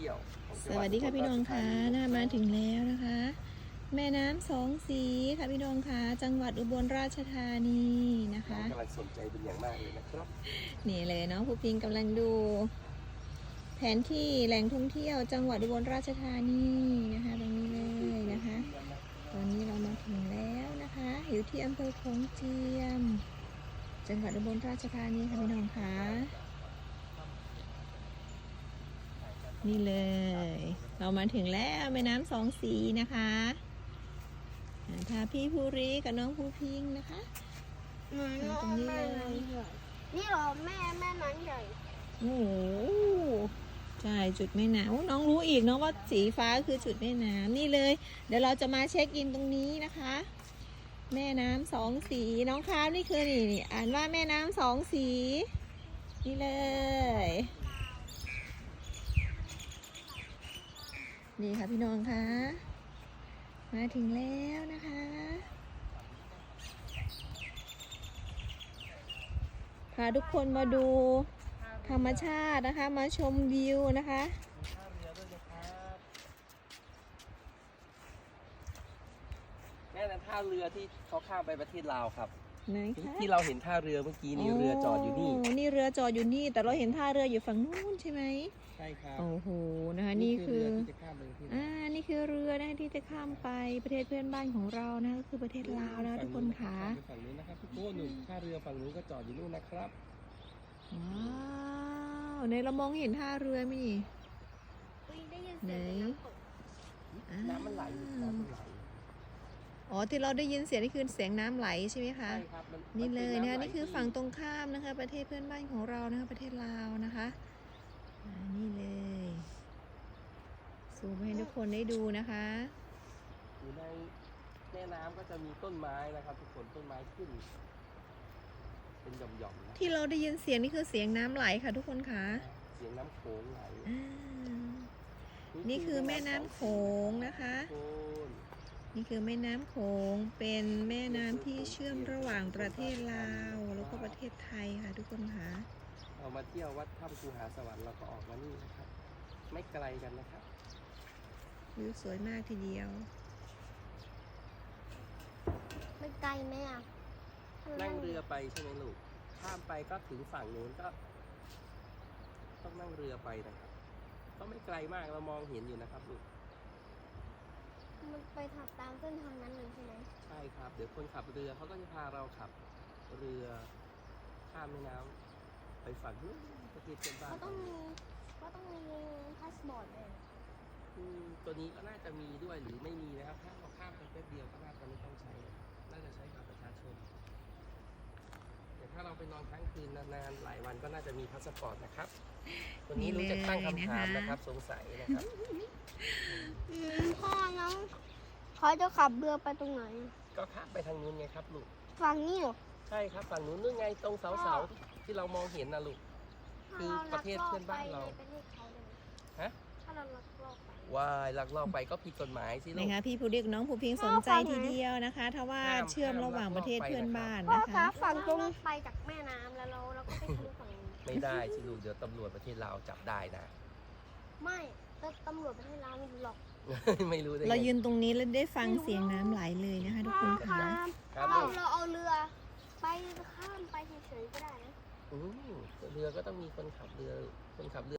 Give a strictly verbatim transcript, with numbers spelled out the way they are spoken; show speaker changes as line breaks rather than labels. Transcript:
ที่ยวของจัง
ส
ห
วัสดีค่ะพี่น้องค่ะน่ามาถึงแล้วนะคะ แม่น้ำสองสีค่ะพี่น้องค่ะจังหวัดอุบลราชธานีนะคะ
กำลังสนใจเป็นอย่างมากเลยนะครับ
นี่เลยเนาะผู้พิงกำลังดู แผนที่แหล่งท่องเที่ยวจังหวัดอุบลราชธานีนะคะตรงนี้เลยนะคะ ตอนนี้เรามาถึงแล้วนะคะ อยู่ที่อำเภอโขงเจียม จังหวัดอุบลราชธานีค่ะพี่น้องค่ะนี่เลย เรามาถึงแล้วแม่น้ำสองสีนะคะพาพี่ภูริกับน้องภูพิงนะคะ
หนู
มาตรงนี้เลย
นี่เหรอแม่แม่น้ำใหญ่
โอ้โหใช่จุดแม่น้ำโอ้น้องรู้อีกเนาะว่าสีฟ้าคือจุดแม่น้ำนี่เลย เดี๋ยวเราจะมาเช็คอินตรงนี้นะคะ แม่น้ำสองสีน้องคามนี่คือนี่นี่อ่านว่าแม่น้ำสองสีนี่เลยนี่ค่ะพี่น้องคะมาถึงแล้วนะคะพาทุกคนมาดูธรรมชาตินะคะมาชมวิวนะคะ
แม่นั้นท่าเรือที่เขาข้ามไปประเทศลาวครับ
ไหนคะ
ที่เราเห็นท่าเรือเมื่อกี้นี่เรือจอดอยู่นี่
โนี่เรือจอดอยู่นี่แต่เราเห็นท่าเรืออยู่ฝั่งนู้นใช่ไหม
ใช่ครับ
โอ้โหนะคะนี่คือ
เรือที่จะข้ามไปประเทศ
อ่านี่คือเรือนะคะที่จะข้ามไปประเทศเพื่อนบ้านของเรานะก็คือประเทศลาวนะคะทุกคนค่ะ
ฝั่งนู้นนะครับทุกคนหนึ่งท่าเรือฝั่งนู้นก็จอดอยู่นู่นนะครับ
ว้าวในเรามองเห็นท่าเรือไหมนี่
อุ๊ยได้ยินเสียงเป็นน้ำตก
อ่า
น้ำมันไหลน้ำมันไหล
อ๋อที่เราได้ยินเสียงนี่คือเสียงน้ำไหลใช่ไหมคะ
ใช่ครับมั
นี่เลย
มั
นะคะ
ำไห
นี่คือฝั่งตรงข้ามนะคะ ประเทศเพื่อนบ้านของเรานะคะประเทศลาวนะคะอ่านี่เลยซูมให้ทุกคนได้ดูนะคะ
อยู่ในแม่น้ำก็จะมีต้นไม้นะครับทุกคนต้นไม้ขึ้น เป็นหย่อมๆนะ
ที่เราได้ยินเสียงนี่คือเสียงน้ำไหลค่ะทุกคนค่ะ
เสียงน้ำโขงไหล
อ่านี่คือแม่น้ำโขงนะคะ
โขง
นี่คือแม่น้ำโขงเป็นแม่น้ำที่เชื่อมระหว่างประเทศลาวแล้วก็ประเทศไทยค่ะทุกคนค่ะ
เรามาเที่ยววัดถ้ำภูหาสวรรค์เราก็ออกมานี่นะครับ ไม่ไกลกันนะครับ
วิวสวยมากทีเดียว
ไม่ไกลไหมอ่ะ
นั่งเรือไปใช่ไหมลูก ข้ามไปก็ถึงฝั่งนู้นก็ ต้องนั่งเรือไปนะครับ ก็ไม่ไกลมากเรามองเห็นอยู่นะครับลูก
มันไปถัดตามเส้นทางนั้นเลยใช่ไหม
ใช่ครับ เดี๋ยวคนขับเรือเขาก็จะพาเราขับเรือข้ามแม่น้ำไปฝั่งนู้นประเทศเพื่อนบ้าน
ก็ต้องมีก็ต้องมีพาสปอร์ตเลย
อืมตัวนี้ก็น่าจะมีด้วยหรือไม่มีนะครับ ถ้าเราข้ามไปแป๊บเดียวก็น่าจะไม่ต้องใช้ น่าจะใช้บัตรประชาชน แต่ถ้าเราไปนอนค้างคืนนานๆหลายวันก็น่าจะมีพาสปอร์ตนะครับคนนี้รู้จะตั้งคำถามนะครับ สงสัยนะครับ
อืมพ่อน้องเขาจะขับเรือไปตรงไหน
ก็ข้ามไปทางนู้นไงครับลูก
ฝั่งนี้เหรอ
ใช่ครับฝั่งนู้นนู่นไงตรงเสาเสาๆที่เรามองเห็นนะลูก คือประเทศเพื่อนบ้านเรา
ถ้เราลักลอบไปในประเทศเขาเลย
ฮะ
ถ้าเราลักลอบไป
ว่ายลักลอบไปก็ผิดกฎหมายสิลู
นะ
ก
คะพี่ผู้เรียกน้องผู้พิงสนใจทีเดียวนะคะ ถ้าว่า
ห้าม
เชื่อมระหว่างประเทศเพื่อนบ้าน
พ่อ
นะ
คะ
คะ
ฝั่งตรงไปจากแม่น้ำแล้วเราเราก็ไปทะลุฝั่งนี้
ไม่ได้สิลูกเดี๋ยวตำรวจประเทศลาวจับได้นะ
ไม่แต่ตำรวจประเทศลาวไม่รู้หรอก
ไม่รู้ได้
เรา
ไง
ยืนตรงนี้แล้วได้ฟังเสียงน้ำไหลเลยนะคะทุกคน
ครั
ค่ะ
บ
ครับ
เรา
ลูก
เราเอาเรือ ไปข้ามไปเฉยๆก็ได้นะ
อืมเรือก็ต้องมีคนขับเรือคนขับเรือ